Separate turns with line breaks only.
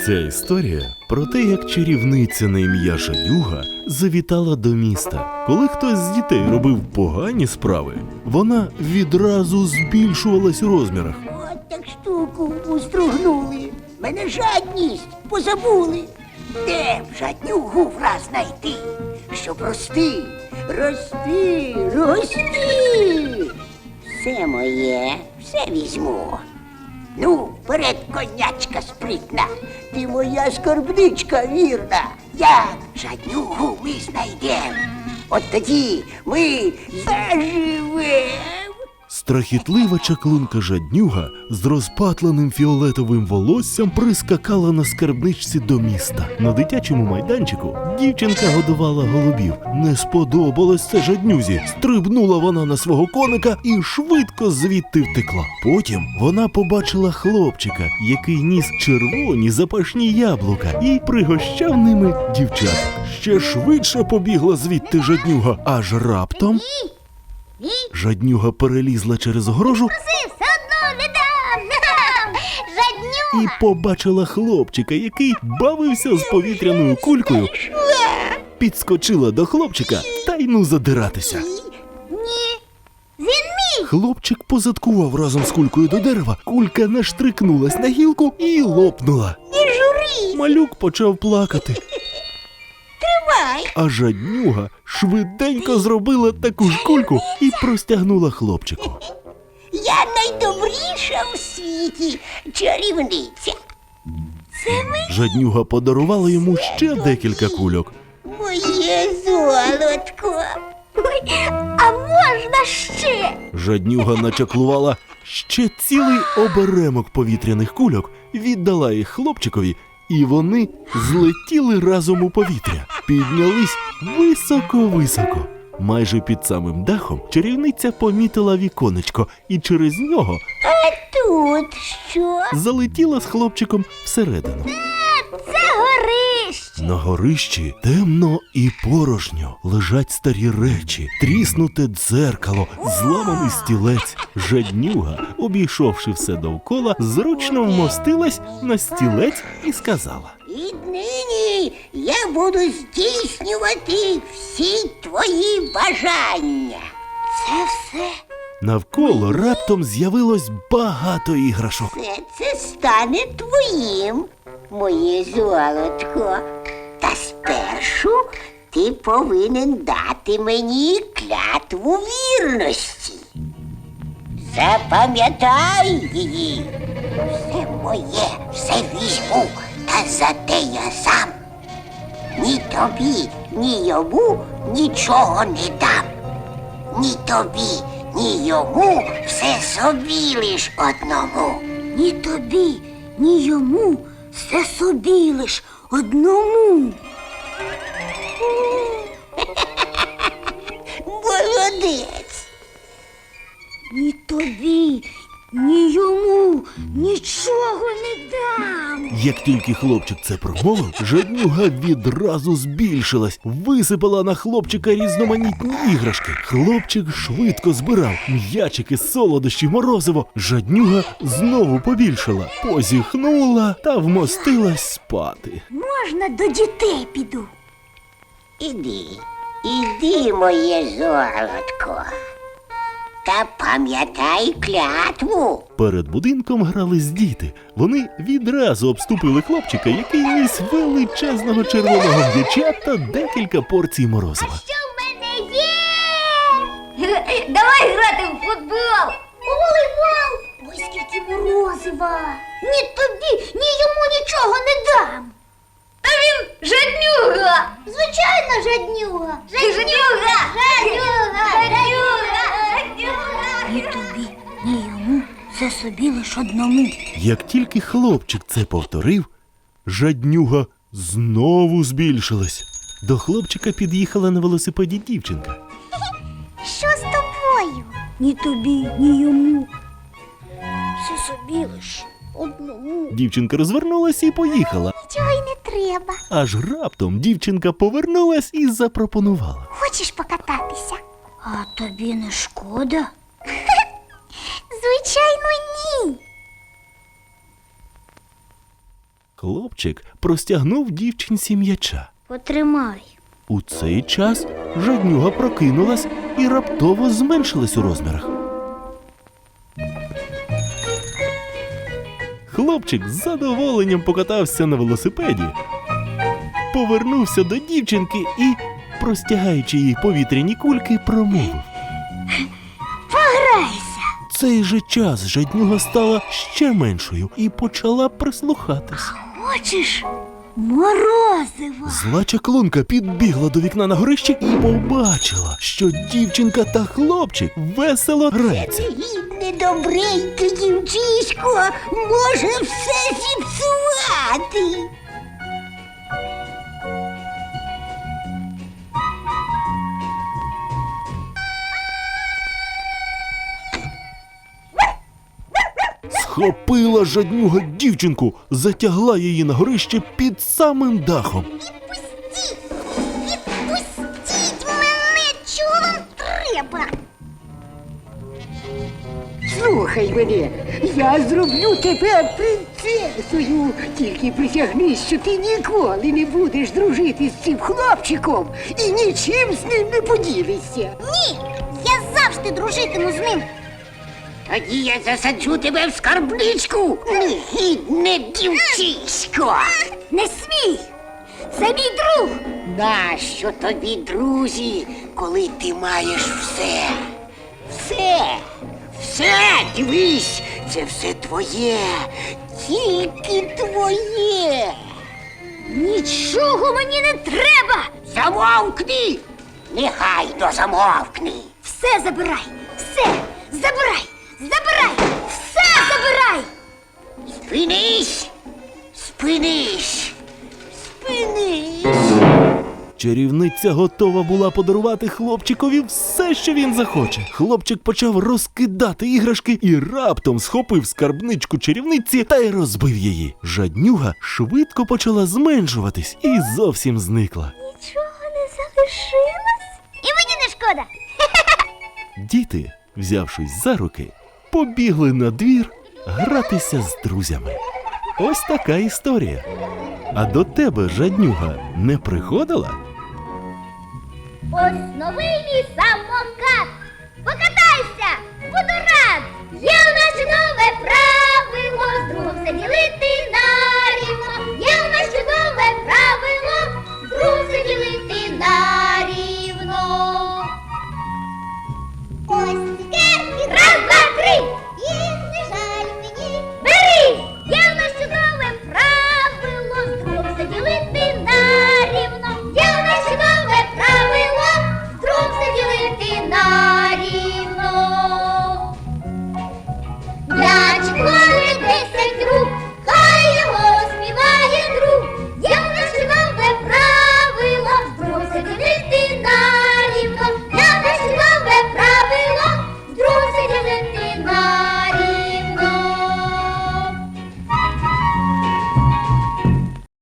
Ця історія про те, як чарівниця на ім'я Жадюга завітала до міста. Коли хтось з дітей робив погані справи, вона відразу збільшувалась у розмірах.
От так штуку устругнули. Мене жадність позабули. Де б жаднюгу враз знайти, щоб рости, рости, рости. Все моє, все візьму. Ну, вперед, конячка спритна, ти моя скарбничка вірна. Як жаднюгу ми знайдем, от тоді ми заживем.
Страхітлива чаклунка Жаднюга з розпатленим фіолетовим волоссям прискакала на скарбничці до міста. На дитячому майданчику дівчинка годувала голубів. Не сподобалось це Жаднюзі. Стрибнула вона на свого коника і швидко звідти втекла. Потім вона побачила хлопчика, який ніс червоні запашні яблука і пригощав ними дівчат. Ще швидше побігла звідти Жаднюга, аж раптом Жаднюга перелізла через огорожу
Все одно не дам! Жадню!
і побачила хлопчика, який бавився з повітряною кулькою, підскочила до хлопчика та й ну задиратися.
Ні! Він мій!
Хлопчик позадкував разом з кулькою до дерева, кулька наштрикнулась на гілку і лопнула.
Не журись!
Малюк почав плакати,
Тримай.
а Жаднюга швиденько зробила таку ж кульку і простягнула хлопчику.
Я найдобріша в світі чарівниця. Це
Жаднюга подарувала йому ще декілька кульок.
моє золотко.
Ой, а можна ще?
Жаднюга начаклувала ще цілий оберемок повітряних кульок, віддала їх хлопчикові, і вони злетіли разом у повітря. Піднялись високо-високо. Майже під самим дахом чарівниця помітила віконечко і через нього
Тут що?
залетіла з хлопчиком всередину.
Це горище!
На горищі темно і порожньо. Лежать старі речі, тріснуте дзеркало, зламаний стілець. Жаднюга, обійшовши все довкола, зручно вмостилась на стілець і сказала:
Віднині я буду здійснювати всі твої бажання. Це все.
Навколо раптом з'явилось багато іграшок.
Це стане твоїм, моє золотко. Та спершу ти повинен дати мені клятву вірності. Запам'ятай її. Все моє, все візьму, та зате я сам. Ні тобі, ні йому нічого не дам. Ні тобі, ні йому, все собі лиш одному.
Ні тобі, ні йому, все собі лиш одному.
Молодець.
Ні тобі, ні йому нічого не дам.
Як тільки хлопчик це промовив, Жаднюга відразу збільшилась, висипала на хлопчика різноманітні іграшки. Хлопчик швидко збирав м'ячики, солодощі, морозиво. Жаднюга знову побільшала, позіхнула та вмостилась спати.
Можна до дітей піду.
Іди, моє золотко. Та пам'ятай клятву.
Перед будинком грались діти. Вони відразу обступили хлопчика, який ніс величезного червоного м'яча та декілька порцій морозива.
Що в мене є? Давай грати в футбол. У волейбол. Ой, скільки морозива. Ні тобі, ні йому нічого не дам. Та він жаднюга. Звичайно, жаднюга. Жаднюга. Ні тобі, ні йому, все собі лиш одному.
Як тільки хлопчик це повторив, Жаднюга знову збільшилась. До хлопчика під'їхала на велосипеді дівчинка.
Що з тобою? Ні тобі, ні йому. Все собі лиш одному.
Дівчинка розвернулась і поїхала.
Нічого й не треба.
Аж раптом дівчинка повернулась і запропонувала:
Хочеш покататися? А тобі не шкода? Звичайно, ні.
Хлопчик простягнув дівчинці м'яча.
Потримай.
У цей час жаднюга прокинулась і раптово зменшилась у розмірах. Хлопчик з задоволенням покатався на велосипеді, повернувся до дівчинки і, простягаючи їй повітряні кульки, промовив.
Пограйся.
В цей же час жаднюга стала ще меншою і почала прислухатись.
Хочеш морозива?
Зла чаклунка підбігла до вікна на горищі і побачила, що дівчинка та хлопчик весело граються.
Гідне добреньке дівчисько може все зіпсувати.
Схопила жаднюга дівчинку, затягла її на горище під самим дахом.
Відпустіть мене, чого вам треба?
Слухай мене, я зроблю тебе принцесою. Тільки присягнись, що ти ніколи не будеш дружити з цим хлопчиком і нічим з ним не поділишся.
Ні, я завжди дружитиму з ним.
Тоді я засаджу тебе в скарбничку, негідне дівчисько.
Не смій! Це мій друг!
Нащо тобі, друзі, коли ти маєш все? Все, дивись, це все твоє, тільки твоє.
Нічого мені не треба!
Замовкни! Негайно замовкни!
Все забирай! Все! Забирай! Забирай! Все забирай!
Спинись! Спинись! Спинись!
Чарівниця готова була подарувати хлопчикові все, що він захоче. Хлопчик почав розкидати іграшки і раптом схопив скарбничку чарівниці та й розбив її. Жаднюга швидко почала зменшуватись і зовсім зникла.
Нічого не залишилось? І мені не шкода!
Діти, взявшись за руки, побігли на двір гратися з друзями. Ось така історія. А до тебе жаднюга не приходила?
Ось новий мій самокат! Покатайся! Буду рад! Є у нас нове правило, з другом все ділити